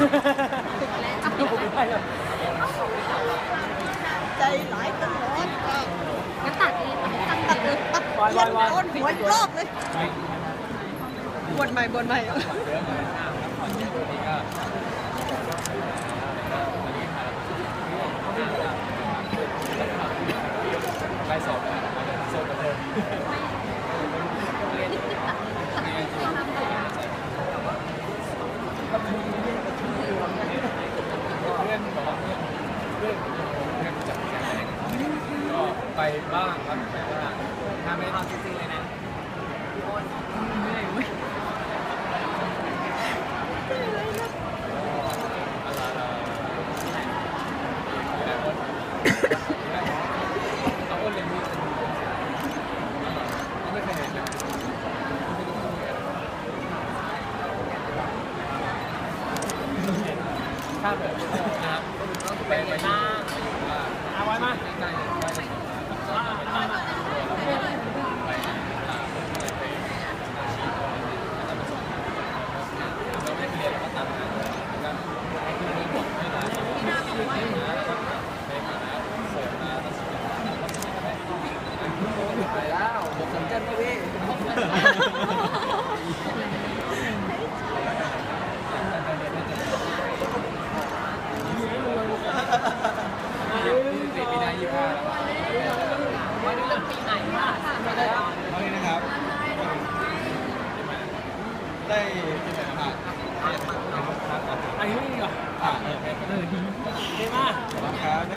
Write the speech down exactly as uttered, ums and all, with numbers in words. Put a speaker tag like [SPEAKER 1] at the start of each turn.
[SPEAKER 1] ใจหลายตลอดอ่ะ
[SPEAKER 2] ก็ตัดเลยตัด
[SPEAKER 1] ตัดเลยตัดเปลี่ยนโอนหัวอีกรอบเลยบนใหม่บนใหม่
[SPEAKER 3] ไปสอบสอบกันเลยเพื่อนบอกว่าเพื่อนเพื่อนผมเพื่อนจับแจงก็ไปบ้างครับไปบ้างถ้าไม่เอาจริงๆเลยนะเอาอ้นเลยมีไม่เคยเห็นเลยถ้าแบบนะครับไปไปบ้างเอาไว้มาใกล้ๆใกล้ๆไปไปอาชีพเราไม่เรียนเราก็ตามงานกันให้คุณมีบทให้หลายแล้วก็ไปหาเสริมมาตัดสินใจไปแล้วบทสนใจไหมพี่ปีหน้ายี่สิบห้าวันนี้เริ่มปีใหม่ค่ะวันนี้นะครับได้ที่ไหนผ่านอันนี้เหรออ่าเออเออดีมากครับ